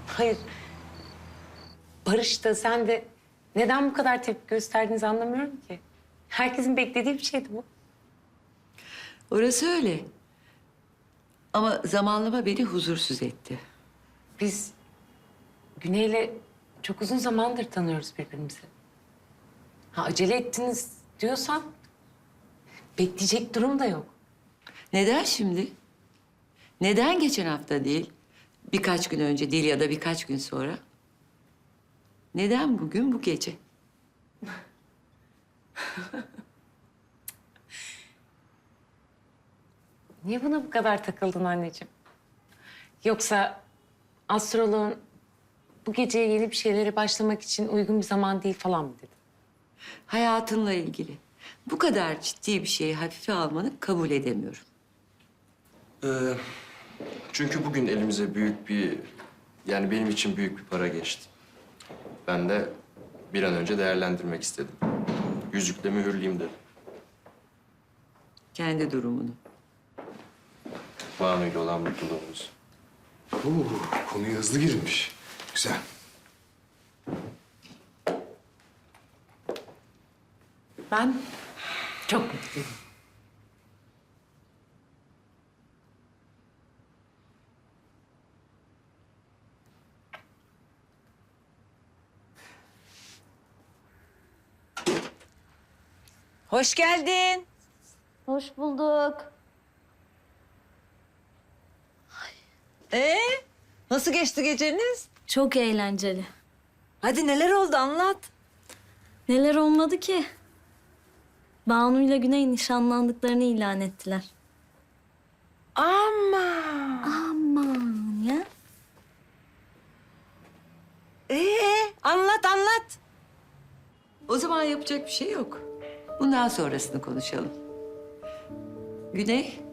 Hayır. Barış da sen de neden bu kadar tepki gösterdiğinizi anlamıyorum ki. Herkesin beklediği bir şeydi bu. Orası öyle. Ama zamanlama beni huzursuz etti. Biz Güney'le çok uzun zamandır tanıyoruz birbirimizi. Ha acele ettiniz diyorsan bekleyecek durum da yok. Neden şimdi? Neden geçen hafta değil? Birkaç gün önce değil ya da birkaç gün sonra? Neden bugün, bu gece? Niye buna bu kadar takıldın anneciğim? Yoksa astroloğun bu geceye yeni bir şeylere başlamak için uygun bir zaman değil falan mı dedi? Hayatınla ilgili. Bu kadar ciddi bir şeyi hafife almanı kabul edemiyorum. Çünkü bugün elimize büyük bir, yani benim için büyük bir para geçti. Ben de bir an önce değerlendirmek istedim. Yüzükle mühürleyeyim dedim. Kendi durumunu. Banu'yla olan mutluluğumuz. Konuya hızlı girilmiş. Güzel. Ben çok mutluyum. Hoş geldin. Hoş bulduk. Nasıl geçti geceniz? Çok eğlenceli. Hadi neler oldu anlat. Neler olmadı ki? Banu ile Güney nişanlandıklarını ilan ettiler. Ama. Aman ya. Anlat anlat. O zaman yapacak bir şey yok. Bundan sonrasını konuşalım. Güney,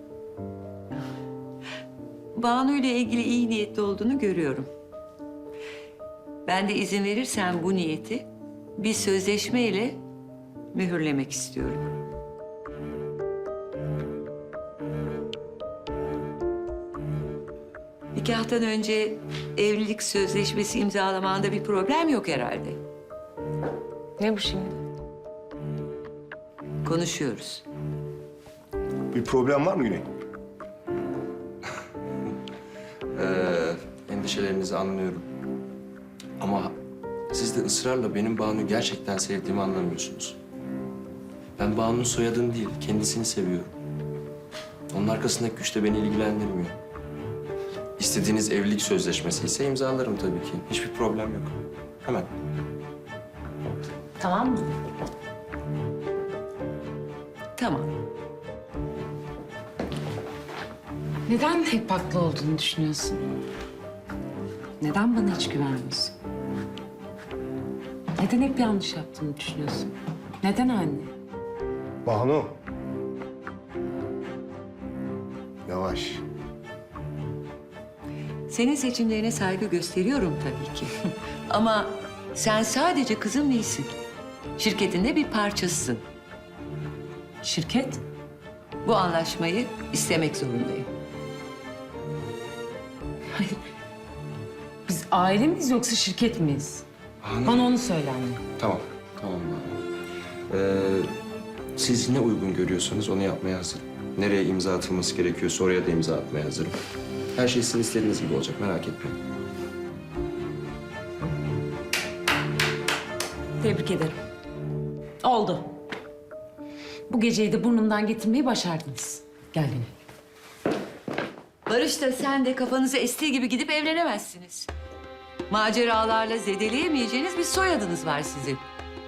Banu ile ilgili iyi niyetli olduğunu görüyorum. Ben de izin verirsen bu niyeti bir sözleşmeyle mühürlemek istiyorum. Nikahtan önce evlilik sözleşmesi imzalamanda bir problem yok herhalde. Ne bu şimdi? Konuşuyoruz. Bir problem var mı Güney? Endişelerinizi anlıyorum. Ama siz de ısrarla benim Banu'yu gerçekten sevdiğimi anlamıyorsunuz. Ben Banu'nun soyadını değil, kendisini seviyorum. Onun arkasındaki güç de beni ilgilendirmiyor. İstediğiniz evlilik sözleşmesi ise imzalarım tabii ki. Hiçbir problem yok. Hemen. Tamam mı? Tamam. Neden hep haklı olduğunu düşünüyorsun? Neden bana hiç güvenmiyorsun? Neden hep yanlış yaptığını düşünüyorsun? Neden anne? Banu. Yavaş. Senin seçimlerine saygı gösteriyorum tabii ki. Ama sen sadece kızım değilsin. Şirketinde bir parçasısın. Şirket? Bu anlaşmayı istemek zorundayım. Biz aile miyiz yoksa şirket miyiz? Bana onu söyle anne. Tamam. Tamam Banu. Siz ne uygun görüyorsanız onu yapmaya hazırım. Nereye imza atılması gerekiyorsa oraya da imza atmaya hazırım. Her şey sizin istediğiniz gibi olacak, merak etmeyin. Tebrik ederim. Oldu. Bu geceyi de burnumdan getirmeyi başardınız. Gel Güney. Barış da sen de kafanıza estiği gibi gidip evlenemezsiniz. Maceralarla zedeleyemeyeceğiniz bir soyadınız var sizin.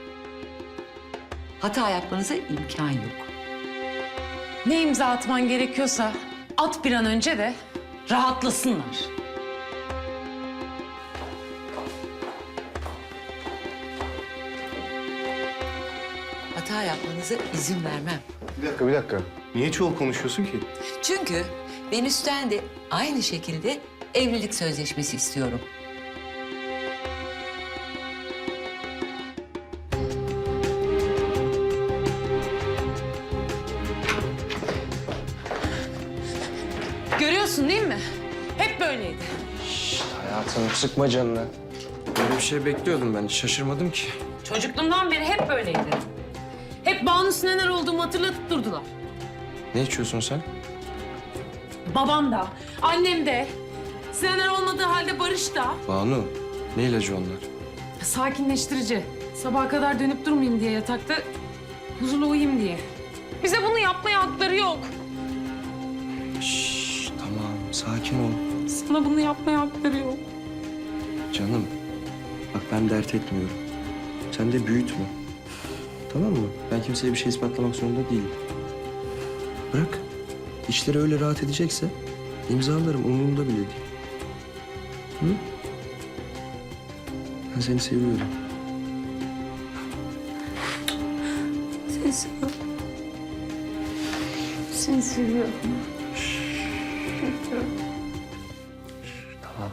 Hata yapmanıza imkan yok. Ne imza atman gerekiyorsa at bir an önce de rahatlasınlar. Hata yapmanıza izin vermem. Bir dakika. Niye çoğul konuşuyorsun ki? Çünkü Venüs'ten de aynı şekilde evlilik sözleşmesi istiyorum. Görüyorsun değil mi? Hep böyleydi. Hayatım sıkma canını. Böyle bir şey bekliyordum ben. Hiç şaşırmadım ki. Çocukluğumdan beri hep böyleydi. Hep Banu Sinener olduğumu hatırlatıp durdular. Ne içiyorsun sen? Babam da, annem de, Sinener olmadığı halde Barış da. Banu. Ne ilacı onlar? Sakinleştirici. Sabaha kadar dönüp durmayayım diye yatakta, huzurlu uyuyayım diye. Bize bunu yapmaya hakları yok. Şşş, tamam. Sakin ol. Sana bunu yapmaya hakları yok. Canım. Bak ben dert etmiyorum. Sen de büyütme. Tamam mı? Ben kimseye bir şey ispatlamak zorunda değilim. Bırak. İşleri öyle rahat edecekse imzalarım. Umurumda bile değil. Hı? Ben seni seviyorum. Seni seviyorum. Seni seviyorum. Tamam.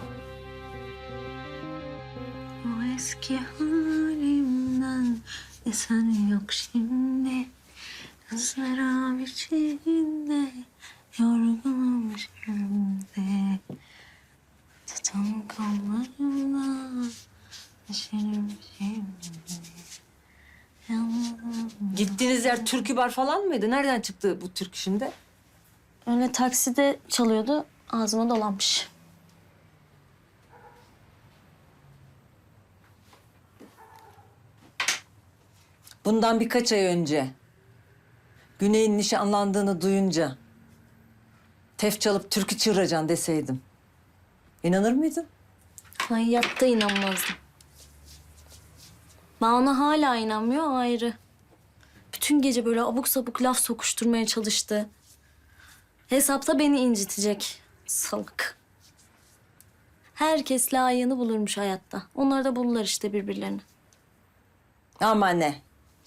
O eski halimden esen yok şimdi. Kızlara biçimde yorgunum şimdi. Tutan kollarımla düşerim şimdi. Yalnızım. Gittiğiniz yer türkü bar falan mıydı? Nereden çıktı bu türkü şimdi? Öyle takside çalıyordu, ağzıma dolanmış. Bundan birkaç ay önce Güney'in nişanlandığını duyunca tef çalıp türkü çığıracaksın deseydim. İnanır mıydın? Hayatta inanmazdım. Bana hala inanmıyor ayrı. Bütün gece böyle abuk sabuk laf sokuşturmaya çalıştı. Hesapta beni incitecek. Salak. Herkes layığını bulurmuş hayatta. Onlar da bulurlar işte birbirlerini. Ama ne?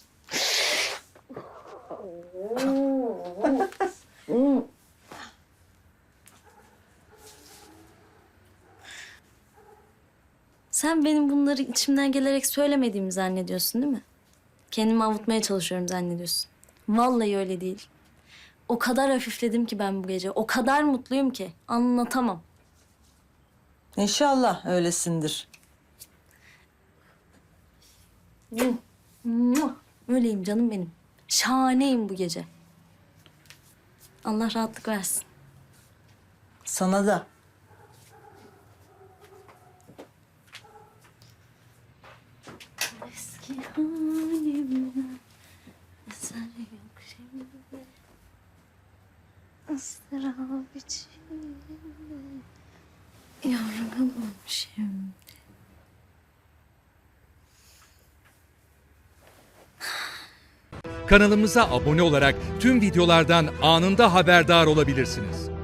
Sen benim bunları içimden gelerek söylemediğimi zannediyorsun değil mi? Kendimi avutmaya çalışıyorum zannediyorsun. Vallahi öyle değil. O kadar hafifledim ki ben bu gece. O kadar mutluyum ki anlatamam. İnşallah öylesindir. Muah! Öyleyim canım benim. Şahaneyim bu gece. Allah rahatlık versin. Sana da. Eski halimden eser yok şimdi. Israr içinde yorgunum şimdi. Kanalımıza abone olarak tüm videolardan anında haberdar olabilirsiniz.